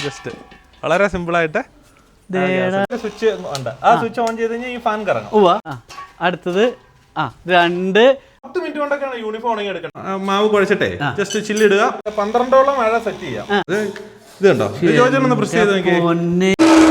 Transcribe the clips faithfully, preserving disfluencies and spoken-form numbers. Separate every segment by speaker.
Speaker 1: Just വളരെ simple ആയിട്ട് switch ഉണ്ട്. ആ സ്വിച്ച് ഓൺ ചെയ്ത് കഴിഞ്ഞാൽ ഈ ഫാൻ കറങ്ങും.
Speaker 2: അടുത്തത് ആ രണ്ട്
Speaker 1: പത്ത് മിനിറ്റ് കൊണ്ടൊക്കെയാണ് യൂണിഫോം ഉണങ്ങി എടുക്കണം. മാവ് കുഴച്ചിട്ടേ ജസ്റ്റ് ചില്ലിടുക. പന്ത്രണ്ടോളം മഴ സെറ്റ് ചെയ്യാം. ഇത് കണ്ടോ, ഒന്ന് പ്രസ് ചെയ്ത് നോക്കിയേ.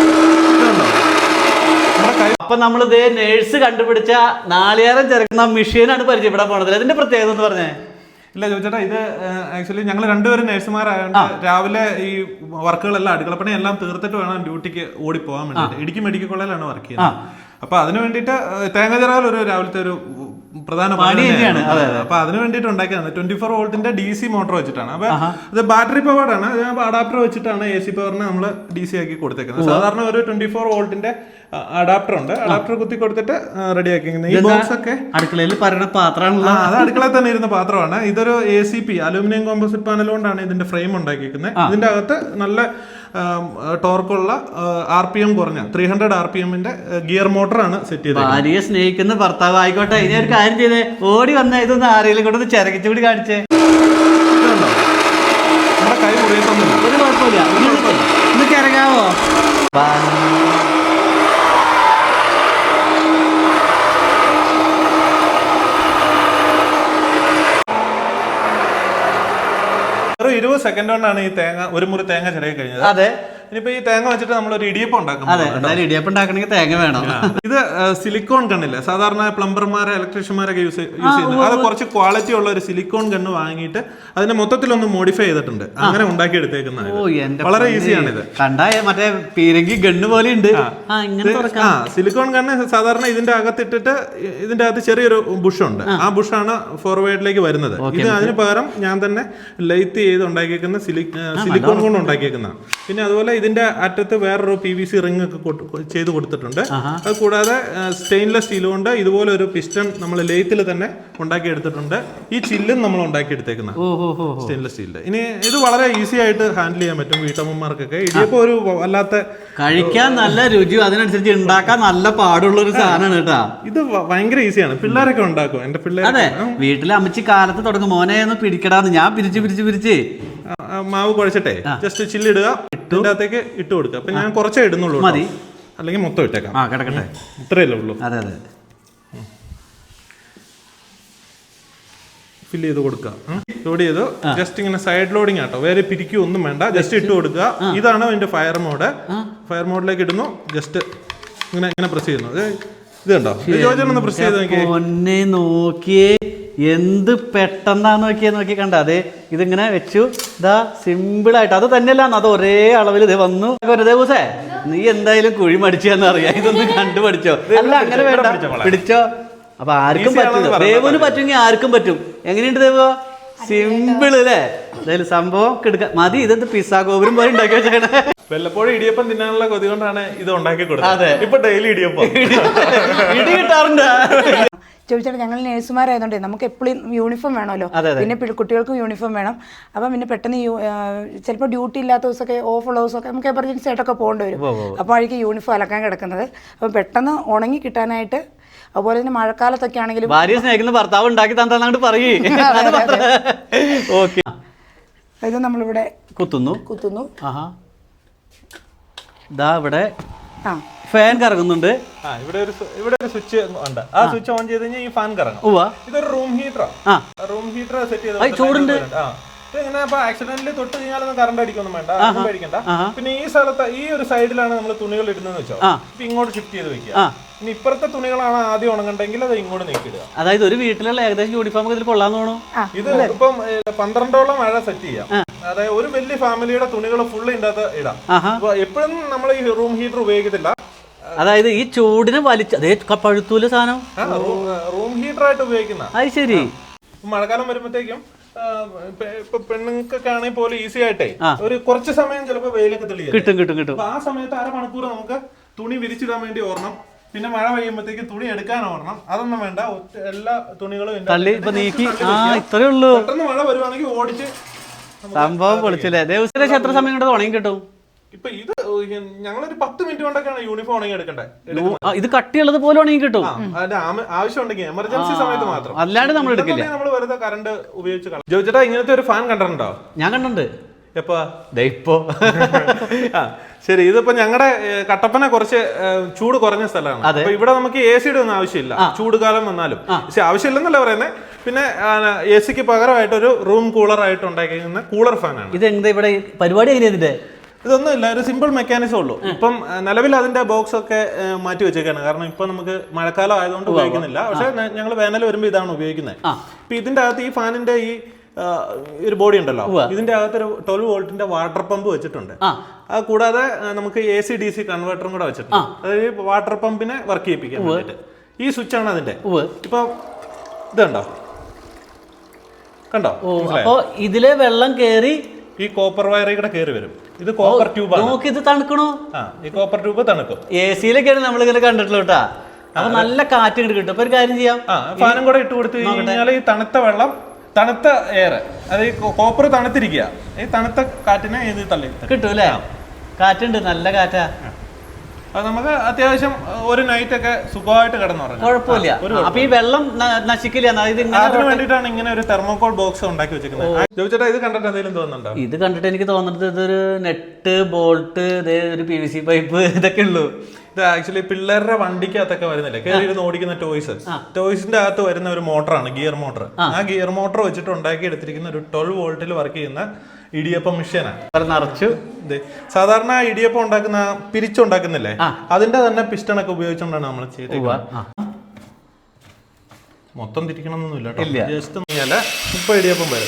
Speaker 2: അപ്പൊ നമ്മൾ ഇതേ നേഴ്സ് കണ്ടുപിടിച്ച നാളികേരം ചേർക്കുന്ന മെഷീനാണ് പരിചയപ്പെടാൻ പോണത്. അതിന്റെ പ്രത്യേകത എന്ന് പറഞ്ഞേ.
Speaker 1: ഇല്ല ചോദിച്ചേട്ടാ, ഇത് ആക്ച്വലി ഞങ്ങൾ രണ്ടുപേരും നഴ്സുമാരായതുകൊണ്ട് രാവിലെ ഈ വർക്കുകളെല്ലാം അടുക്കളപ്പണി എല്ലാം തീർത്തിട്ട് വേണം ഡ്യൂട്ടിക്ക് ഓടിപ്പോകാൻ വേണ്ടിയിട്ട്. ഇടുക്കി മെഡിക്കൽ കോളേജിലാണ് വർക്ക് ചെയ്യുന്നത്. അപ്പൊ അതിന് വേണ്ടിയിട്ട് തേങ്ങ ചിറകൽ ഒരു രാവിലത്തെ ഒരു പ്രധാന പണിയാണ്. അപ്പൊ അതിന് വേണ്ടിയിട്ട് ഉണ്ടാക്കിയതാണ്. ട്വന്റി ഫോർ വോൾട്ടിന്റെ ഡി സി മോട്ടോർ വെച്ചിട്ടാണ്. അപ്പൊ ഇത് ബാറ്ററി പവേർഡാണ്. അഡാപ്റ്റർ വെച്ചിട്ടാണ് എ സി പവറിനെ നമ്മൾ ഡി സി ആക്കി കൊടുത്തേക്കുന്നത്. സാധാരണ ഒരു ട്വന്റി ഫോർ വോൾട്ടിന്റെ അഡാപ്റ്റർ ഉണ്ട്. അഡാപ്റ്റർ കുത്തി കൊടുത്തിട്ട് റെഡി ആക്കിയിരിക്കുന്നത്. ഈ ബോക്സ് ഒക്കെ
Speaker 2: അടുക്കളയിൽ പറയുന്ന പാത്രമാണല്ലോ.
Speaker 1: അത് അടുക്കളയിൽ തന്നെ ഇരുന്ന പാത്രമാണ്. ഇതൊരു A C P aluminium composite panel കൊണ്ടാണ് ഇതിന്റെ ഫ്രെയിം ഉണ്ടാക്കിയിരിക്കുന്നത്. ഇതിന്റെ അകത്ത് നല്ല ടോർക്കുള്ള ആർ പി എം കുറഞ്ഞ ത്രീ ഹൺഡ്രഡ് ആർ പി എമ്മിന്റെ ഗിയർ മോട്ടറാണ് സെറ്റ് ചെയ്തത്.
Speaker 2: ഭാര്യയെ സ്നേഹിക്കുന്ന ഭർത്താവ് ആയിക്കോട്ടെ. ഇനി ഒരു കാര്യം ചെയ്തേ, ഓടി വന്ന ഇതൊന്ന് ആരെങ്കിലും കൊണ്ടൊന്ന് ചിരകിച്ചു കൂടി കാണിച്ചേ.
Speaker 1: നമ്മുടെ കൈ മുറിയത്തൊന്നുമില്ല,
Speaker 2: ഒരു കുഴപ്പമില്ല. ഒന്ന് ചിരകാവോ?
Speaker 1: ഇരുപത് സെക്കൻഡ് കൊണ്ടാണ് ഈ തേങ്ങ ഒരു മുറി തേങ്ങ ചിരകി കഴിഞ്ഞത്.
Speaker 2: അതെ.
Speaker 1: ഇനിയിപ്പോ ഈ തേങ്ങ വെച്ചിട്ട് നമ്മൾ ഒരു ഇടിയപ്പം ഉണ്ടാക്കും.
Speaker 2: ഇടിയപ്പം ഉണ്ടാക്കണമെങ്കിൽ തേങ്ങ വേണം.
Speaker 1: ഇത് സിലിക്കോൺ ഗണ്ണില്ല, സാധാരണ പ്ലംബർമാരെ ഇലക്ട്രീഷ്യന്മാരൊക്കെ യൂസ് യൂസ് ചെയ്യുന്നത്. അത് കുറച്ച് ക്വാളിറ്റി ഉള്ള ഒരു സിലിക്കോൺ ഗണ്ണ് വാങ്ങിയിട്ട് അതിനെ മൊത്തത്തിലൊന്ന് മോഡിഫൈ ചെയ്തിട്ടുണ്ട്. അങ്ങനെ ഉണ്ടാക്കി എടുത്തേക്കുന്നതാണ്. വളരെ ഈസിയാണ് ഇത്.
Speaker 2: കണ്ടായ മറ്റേ പീരങ്കി ഗണ്ണ് പോലെ ഉണ്ട്.
Speaker 1: ആ സിലിക്കോൺ ഗണ്ണ് സാധാരണ ഇതിന്റെ അകത്തിട്ടിട്ട് ഇതിന്റെ അകത്ത് ചെറിയൊരു ബുഷുണ്ട്. ആ ബുഷാണ് ഫോർവേഡിലേക്ക് വരുന്നത്. ഇത് അതിന് പകരം ഞാൻ തന്നെ ലൈറ്റ് ചെയ്ത് ഉണ്ടാക്കിയേക്കുന്ന സിലിക്കോൺ കൊണ്ട് ഉണ്ടാക്കിയേക്കുന്നതാണ്. പിന്നെ അതുപോലെ ഇതിന്റെ അറ്റത്ത് വേറൊരു പി വി സി റിംഗ് ഒക്കെ ചെയ്ത് കൊടുത്തിട്ടുണ്ട്. അത് കൂടാതെ സ്റ്റെയിൻലെസ് സ്റ്റീൽ കൊണ്ട് ഇതുപോലെ ഒരു പിസ്റ്റൺ നമ്മൾ ലേത്തിൽ തന്നെ ഉണ്ടാക്കി എടുത്തിട്ടുണ്ട്. ഈ ചില്ലും നമ്മൾ ഉണ്ടാക്കി എടുത്തേക്കുന്ന സ്റ്റെയിൻലെസ് സ്റ്റീലിന്റെ. ഇനി ഇത് വളരെ ഈസി ആയിട്ട് ഹാൻഡിൽ ചെയ്യാൻ പറ്റും വീട്ടമ്മമാർക്കൊക്കെ. ഇടിയപ്പോ ഒരു വല്ലാത്ത
Speaker 2: കഴിക്കാൻ നല്ല രുചി, അതിനനുസരിച്ച് ഉണ്ടാക്കാൻ നല്ല പാടുള്ള ഒരു സാധനമാണ് കേട്ടാ.
Speaker 1: ഇത് ഭയങ്കര ഈസിയാണ്, പിള്ളേരൊക്കെ ഉണ്ടാക്കും. എന്റെ പിള്ളേർ
Speaker 2: അതെ, വീട്ടിലെ അമ്മച്ചി കാലത്ത് തുടങ്ങും മോനെ ഒന്ന് പിടിക്കടാന്ന്. ഞാൻ പിരിച്ച് പിരിച്ച് പിരിച്ച്
Speaker 1: മാവ് കുഴച്ചിട്ടേ ജസ്റ്റ് ചില്ലിടുക, ഇതിന്റെ അകത്തേക്ക് ഇട്ട് കൊടുക്കുക. അപ്പൊ ഞാൻ കുറച്ചേ ഇടുന്നുള്ളൂ, മതി, അല്ലെങ്കിൽ മൊത്തം ഇട്ടേക്കാം.
Speaker 2: ആ കിടക്കട്ടെ,
Speaker 1: ഇത്രയല്ലേ ഉള്ളൂ.
Speaker 2: അതെ അതെ,
Speaker 1: ഫില്ല് ചെയ്ത് കൊടുക്കുക. ലോഡ് ചെയ്തു. ജസ്റ്റ് ഇങ്ങനെ സൈഡ് ലോഡിങ് ആട്ടോ, വേറെ പിരിക്കുക ഒന്നും വേണ്ട. ജസ്റ്റ് ഇട്ട് കൊടുക്കുക. ഇതാണ് അതിന്റെ ഫയർ മോഡ്. ഫയർ മോഡിലേക്ക് ഇടുന്നു. ജസ്റ്റ് ഇങ്ങനെ ഇങ്ങനെ പ്രസ് ചെയ്യുന്നു. ഇത് കണ്ടോ, ഒന്ന് പ്രസ് ചെയ്ത്
Speaker 2: നോക്കിയേ. നോക്കിയേ എന്ത് പെട്ടെന്നാന്ന് നോക്കിയേ, നോക്കി കണ്ട. അതെ, ഇതിങ്ങനെ വെച്ചു. ഇതാ സിമ്പിൾ ആയിട്ട്. അത് തന്നെയല്ല, അത് ഒരേ അളവിൽ ഇത് വന്നു. ഒരു ദിവസേ നീ എന്തായാലും കുഴി മടിച്ചാന്ന് അറിയാം. ഇതൊന്നും കണ്ടു പഠിച്ചോ? അല്ല അങ്ങനെ വേണ്ട, പിടിച്ചോ. അപ്പൊ ആർക്കും പറ്റും. ദേവുന് പറ്റുമെങ്കിൽ ആർക്കും പറ്റും. എങ്ങനെയുണ്ട് ദേവോ? സിമ്പിൾ അല്ലേ? എന്തായാലും സംഭവം കിടക്ക മതി. ഇതെന്ത് പിസ്സ ഗോപുരം പോലെ ഉണ്ടാക്കി വെച്ചേക്കണേ.
Speaker 1: വല്ലപ്പോഴും ഇടിയപ്പം തിന്നാനുള്ള കൊതി കൊണ്ടാണ് ഇത് ഉണ്ടാക്കി കൊടുത്തത്. ഇപ്പൊ ഡെയിലി ഇടിയപ്പം
Speaker 2: ഇടി കിട്ടാറുണ്ട്.
Speaker 3: ചോദിച്ചാൽ ഞങ്ങൾ നേഴ്സുമാരായതുകൊണ്ട് നമുക്ക് എപ്പോഴും യൂണിഫോം വേണമല്ലോ. പിന്നെ കുട്ടികൾക്കും യൂണിഫോം വേണം. അപ്പം പിന്നെ പെട്ടെന്ന് ചിലപ്പോൾ ഡ്യൂട്ടി ഇല്ലാത്ത ദിവസമൊക്കെ, ഓഫ് ഉള്ള ദിവസമൊക്കെ നമുക്ക് എമർജൻസി ആയിട്ടൊക്കെ പോകേണ്ടി വരും. അപ്പോൾ ആയിരിക്കും യൂണിഫോം അലക്കാൻ കിടക്കുന്നത്. അപ്പം പെട്ടെന്ന് ഉണങ്ങി കിട്ടാനായിട്ട്, അതുപോലെ തന്നെ മഴക്കാലത്തൊക്കെ ആണെങ്കിലും
Speaker 2: ഭാര്യ സ്നേഹിക്കുന്ന ഭർത്താവ് ഉണ്ടാക്കി തന്നാണ്ട് പറയേ. ഓക്കെ,
Speaker 3: ഇത് നമ്മളിവിടെ
Speaker 2: കുത്തുന്നു
Speaker 3: കുത്തുന്നു
Speaker 2: ഇതാ ഇവിടെ ഫാൻ കറങ്ങുന്നുണ്ട്.
Speaker 1: ഇവിടെ ഒരു ഇവിടെ ഒരു സ്വിച്ച് ഉണ്ട്. ആ സ്വിച്ച് ഓൺ ചെയ്ത് കഴിഞ്ഞാൽ ഈ ഫാൻ കറങ്ങും. ഇതൊരു റൂം ഹീറ്ററാണ്. റൂം ഹീറ്റർ സെറ്റ് ചെയ്ത്
Speaker 2: ചൂടുണ്ട്.
Speaker 1: ഇങ്ങനെ അപ്പൊ ആക്സിഡന്റിൽ തൊട്ട് കഴിഞ്ഞാലൊന്നും കറണ്ട് അടിക്കൊന്നും വേണ്ട, ഒന്നും പേടിക്കണ്ട. പിന്നെ ഈ സ്ഥലത്ത് ഈ ഒരു സൈഡിലാണ് നമ്മൾ തുണികൾ ഇടുന്നതെന്ന് വെച്ചോ, ഇപ്പൊ ഇങ്ങോട്ട് ഷിഫ്റ്റ് ചെയ്ത് വെക്കുക. ഇനി ഇപ്പുറത്തെ തുണികളാണ് ആദ്യം ഉണങ്ങണ്ടെങ്കിൽ അത് ഇങ്ങോട്ട് നീക്കിടുക.
Speaker 2: അതായത് ഒരു വീട്ടിലുള്ള ഏകദേശം യൂണിഫോം ഇതിൽ കൊള്ളാന്ന് തോന്നുന്നു.
Speaker 1: ഇത് ഇപ്പം പന്ത്രണ്ടോളം മഴ സെറ്റ് ചെയ്യാം. അതായത് ഒരു വലിയ ഫാമിലിയുടെ തുണികൾ ഫുള്ള് ഇതിന്റെ അകത്ത് ഇടാം. എപ്പോഴും നമ്മൾ ഈ റൂം ഹീറ്റർ ഉപയോഗിക്കത്തില്ല.
Speaker 2: അതായത് ഈ ചൂടിനെ വലിച്ച അതേ പഴുത്തൂല സാധനം
Speaker 1: റൂം ഹീറ്റർ ആയിട്ട് ഉപയോഗിക്കുന്ന.
Speaker 2: അത് ശരി.
Speaker 1: മഴക്കാലം വരുമ്പോഴത്തേക്കും ഇപ്പൊ പെണ്ണുങ്ങൾക്കൊക്കെ ആണെങ്കിൽ പോലും ഈസി ആയിട്ടേ ഒരു കുറച്ച് സമയം ചിലപ്പോ വെയിലൊക്കെ തെളിയും
Speaker 2: കിട്ടും കിട്ടും കിട്ടും.
Speaker 1: ആ സമയത്ത് അരമണിക്കൂർ നമുക്ക് തുണി വിരിച്ചിടാൻ വേണ്ടി ഓർണം. പിന്നെ മഴ പെയ്യുമ്പോഴത്തേക്ക് തുണി എടുക്കാൻ ഓർണം. അതൊന്നും വേണ്ട, എല്ലാ തുണികളും
Speaker 2: ഇത്രേ ഉള്ളൂ.
Speaker 1: പെട്ടെന്ന് മഴ വരുവാണെങ്കിൽ ഓടിച്ച്
Speaker 2: സംഭവം പൊളിച്ചില്ലേ. ദിവസത്തിലേക്ക് എത്ര സമയം കൊണ്ട് ഉണങ്ങി കിട്ടും?
Speaker 1: ഇപ്പൊ ഇത് ഞങ്ങളൊരു പത്ത് മിനിറ്റ് കൊണ്ടൊക്കെയാണ് യൂണിഫോം ഉണങ്ങി എടുക്കണ്ടേ.
Speaker 2: ഇത് കട്ടിയുള്ളത് പോലെ ഉണങ്ങി കിട്ടും.
Speaker 1: ആവശ്യം ഉണ്ടെങ്കിൽ എമർജൻസി സമയത്ത് മാത്രം,
Speaker 2: അല്ലാണ്ട് നമ്മൾ എടുക്കില്ല.
Speaker 1: നമ്മൾ വെറുതെ കറണ്ട് ഉപയോഗിച്ച്. ജോയിച്ചേട്ടാ, ഇങ്ങനത്തെ ഒരു ഫാൻ കണ്ടിട്ടുണ്ടോ?
Speaker 2: ഞാൻ കണ്ടിട്ടുണ്ട്.
Speaker 1: എപ്പോ
Speaker 2: ഇപ്പോ
Speaker 1: ആ ശരി. ഇതിപ്പോ ഞങ്ങളുടെ കട്ടപ്പന കുറച്ച് ചൂട് കുറഞ്ഞ സ്ഥലമാണ്. അപ്പൊ ഇവിടെ നമുക്ക് എ സിയുടെ ഒന്നും ആവശ്യമില്ല ചൂട് കാലം വന്നാലും. പക്ഷെ ആവശ്യമില്ലെന്നല്ല പറയുന്നത്. പിന്നെ എ സിക്ക് പകരമായിട്ട് ഒരു റൂം കൂളർ ആയിട്ട് ഉണ്ടാക്കിയിരിക്കുന്ന കൂളർ ഫാനാണ്.
Speaker 2: ഇത് എന്താ ഇവിടെ പരിപാടി എങ്ങനെയാ ഇതിന്റെ?
Speaker 1: ഇതൊന്നും ഇല്ല, ഒരു സിമ്പിൾ മെക്കാനിസം ഉള്ളൂ. ഇപ്പം നിലവിൽ അതിന്റെ ബോക്സ് ഒക്കെ മാറ്റി വെച്ചേക്കാണ്. കാരണം ഇപ്പൊ നമുക്ക് മഴക്കാലം ആയതുകൊണ്ട് ഉപയോഗിക്കുന്നില്ല. പക്ഷെ ഞങ്ങൾ വേനൽ വരുമ്പോൾ ഇതാണ് ഉപയോഗിക്കുന്നത്. ഇപ്പൊ ഇതിന്റെ അകത്ത് ഈ ഫാനിന്റെ ഈ ഒരു ബോഡി ഉണ്ടല്ലോ, ഇതിന്റെ അകത്ത് ഒരു ട്വൽവ് വോൾട്ടിന്റെ വാട്ടർ പമ്പ് വെച്ചിട്ടുണ്ട്. അത് കൂടാതെ നമുക്ക് എ സി ഡി സി കൺവേർട്ടറും കൂടെ വെച്ചിട്ടുണ്ട്. അതായത് വാട്ടർ പമ്പിനെ വർക്ക് ചെയ്യിപ്പിക്കാൻ വേണ്ടിട്ട് ഈ സ്വിച്ച് ആണ് അതിന്റെ. ഇപ്പൊ ഇതുണ്ടോ, കണ്ടോ?
Speaker 2: അപ്പൊ ഇതിലെ വെള്ളം കേറി
Speaker 1: ഈ കോപ്പർ വയറിൽ കൂടെ കയറി വരും. ഇത് കോപ്പർ ട്യൂബ് ആണ്.
Speaker 2: ഇത് തണുക്കണോ?
Speaker 1: ആ, ഈ കോപ്പർ ട്യൂബ് തണുക്കും.
Speaker 2: എ സിയിലൊക്കെയാണ് നമ്മളിങ്ങനെ കണ്ടിട്ടുള്ളൂ കേട്ടാ. അപ്പൊ നല്ല കാറ്റ് ഇങ്ങോട്ട് കിട്ടും. അപ്പൊ ഒരു കാര്യം ചെയ്യാം,
Speaker 1: ആ ഫാനും കൂടെ ഇട്ട് കൊടുത്തു കഴിഞ്ഞാൽ ഈ തണുത്ത വെള്ളം, തണുത്ത എയർ, അത് ഈ കോപ്പർ തണുത്തിരിക്കുക, ഈ തണുത്ത കാറ്റിനെ ഇത് തള്ളി
Speaker 2: കിട്ടും അല്ലേ? കാറ്റുണ്ട്, നല്ല കാറ്റാ.
Speaker 1: അത് നമുക്ക് അത്യാവശ്യം ഒരു നൈറ്റ് ഒക്കെ സുഖമായിട്ട് കിടന്നുറങ്ങാം,
Speaker 2: കുഴപ്പമില്ല. അപ്പൊ ഈ വെള്ളം നശിക്കില്ല.
Speaker 1: അതിന് വേണ്ടിയിട്ടാണ് ഇങ്ങനെ ഒരു തെർമോകോൾ ബോക്സ് ഉണ്ടാക്കി വെച്ചിരിക്കുന്നത്. ചോദിച്ചേട്ടാ, ഇത് കണ്ടിട്ട് എന്തെങ്കിലും തോന്നുന്നുണ്ടോ?
Speaker 2: ഇത് കണ്ടിട്ട് എനിക്ക് തോന്നുന്നത് ഇതൊരു നെറ്റ്, ബോൾട്ട്, ഒരു പി വി സി പൈപ്പ്, ഇതൊക്കെ ഉള്ളൂ.
Speaker 1: ഇത് ആക്ച്വലി പിള്ളേരുടെ വണ്ടിക്കകത്തൊക്കെ വരുന്നില്ലേ, കയറി ഇരുന്ന് ഓടിക്കുന്ന ടോയ്സ്, ടോയ്സിന്റെ അകത്ത് വരുന്ന ഒരു മോട്ടറാണ്, ഗിയർ മോട്ടർ. ആ ഗിയർ മോട്ടർ വെച്ചിട്ട് ഉണ്ടാക്കി എടുത്തിരിക്കുന്ന ഒരു ട്വൽവ് വോൾട്ടിൽ വർക്ക് ചെയ്യുന്ന ഇടിയപ്പം മെഷീനാണ്.
Speaker 2: നിറച്ചു
Speaker 1: സാധാരണ ഇടിയപ്പം ഉണ്ടാക്കുന്ന പിരിച്ചുണ്ടാക്കുന്നില്ലേ, അതിന്റെ തന്നെ പിസ്റ്റണൊക്കെ ഉപയോഗിച്ചുകൊണ്ടാണ് നമ്മൾ ചെയ്തേക്കുന്നത്. മൊത്തം തിരിക്കണമെന്നൊന്നുമില്ല കേട്ടോ, ജസ്റ്റ് ഇപ്പൊ ഇടിയപ്പം വരും.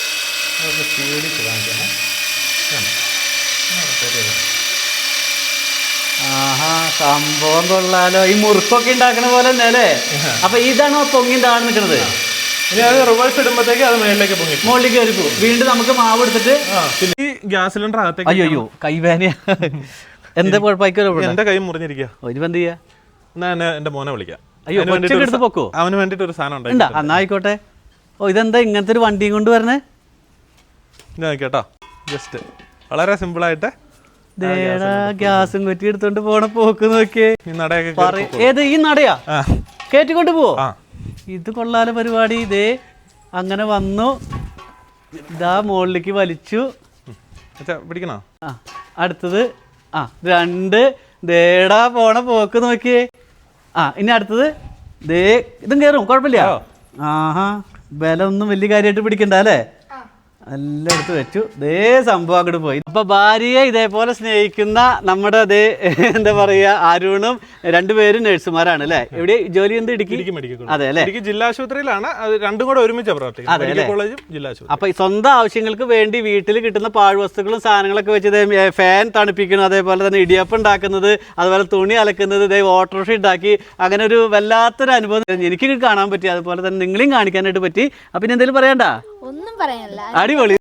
Speaker 2: ആഹാ, സംഭവം കൊള്ളാലോ. ഈ മുറുക്കൊക്കെ ഉണ്ടാക്കണ പോലെ തന്നെ അല്ലേ? അപ്പൊ ഇതാണോ പൊങ്ങി താഴെ നിൽക്കുന്നത്?
Speaker 1: ഇനി അത് റിവേഴ്സ് ഇടുമ്പോഴത്തേക്ക് അത് മേളിലേക്ക് പൊങ്ങി
Speaker 2: മുകളിലേക്ക് കയറി പോകും. വീണ്ടും നമുക്ക് മാവ് എടുത്തിട്ട്
Speaker 1: ഈ ഗ്യാസ് സിലിണ്ടർ അകത്തേക്ക്.
Speaker 2: അയ്യോ അയ്യോ, കൈവേനയാ. എന്താ കുഴപ്പമായിക്കോ?
Speaker 1: എന്റെ കൈ മുറിഞ്ഞിരിക്കുക.
Speaker 2: ഒരു എന്ത് ചെയ്യാ?
Speaker 1: എന്നാ എന്റെ മോനെ വിളിക്കാം.
Speaker 2: അയ്യോ, എടുത്ത് പൊക്കോ.
Speaker 1: അവന് വേണ്ടിട്ട് ഒരു സാധനം ഉണ്ട്.
Speaker 2: എന്നാ ആയിക്കോട്ടെ. ഓ, ഇതെന്താ ഇങ്ങനത്തെ ഒരു വണ്ടിയും കൊണ്ട് വരണേ?
Speaker 1: കേട്ടോ, ജസ്റ്റ് വളരെ സിമ്പിൾ ആയിട്ട്
Speaker 2: ഗ്യാസും കുറ്റി എടുത്തോണ്ട് പോണ പോക്ക് നോക്കിയേ. ഏത് ഈ നടയാ കേറ്റിക്കൊണ്ട് പോവോ? ഇത് കൊള്ളാല പരിപാടി. ഇതേ അങ്ങനെ വന്നു, ഇതാ മുകളിലേക്ക് വലിച്ചു.
Speaker 1: പിടിക്കണോ?
Speaker 2: ആ, അടുത്തത് ആ രണ്ട്, ദേടാ പോണ പോക്ക് നോക്കിയേ. ആ, ഇനി അടുത്തത് ദേ, ഇതും കയറും, കുഴപ്പമില്ല. ആഹാ, ബലം ഒന്നും വലിയ കാര്യമായിട്ട് പിടിക്കണ്ട അല്ലേ? എല്ലാം എടുത്ത് വെച്ചു. ദേ സംഭവം അങ്ങോട്ട് പോയി. അപ്പൊ ഭാര്യയെ ഇതേപോലെ സ്നേഹിക്കുന്ന നമ്മുടെ അതേ എന്താ പറയാ അരുണും രണ്ടുപേരും നഴ്സുമാരാണ് അല്ലെ? എവിടെ ജോലി? എന്ത്? ഇടുക്കി
Speaker 1: മെഡിക്കൽ.
Speaker 2: അതെ അല്ലെ?
Speaker 1: ഇടുക്കി ജില്ലാ ആശുപത്രിയിലാണ്. രണ്ടും കൂടെ ഒരുമിച്ച് പ്രവർത്തിക്കുന്നത്, കോളേജും ജില്ലാ ആശുപത്രി.
Speaker 2: അപ്പൊ സ്വന്തം ആവശ്യങ്ങൾക്ക് വേണ്ടി വീട്ടിൽ കിട്ടുന്ന പാഴ്വസ്തുക്കളും സാധനങ്ങളൊക്കെ വെച്ച് ഫാൻ തണുപ്പിക്കുന്നു, അതേപോലെ തന്നെ ഇടിയപ്പം ഉണ്ടാക്കുന്നത്, അതുപോലെ തുണി അലക്കുന്നത്, ഇതേ ഓട്ടോറിക്ഷ ഉണ്ടാക്കി, അങ്ങനെ ഒരു വല്ലാത്തൊരു അനുഭവം എനിക്ക് കാണാൻ പറ്റി. അതുപോലെ തന്നെ നിങ്ങളെയും കാണിക്കാനായിട്ട് പറ്റി. അപ്പൊ ഇനി എന്തെങ്കിലും പറയണ്ട?
Speaker 4: ഒന്നും പറയാനില്ല.
Speaker 2: അടിപൊളി.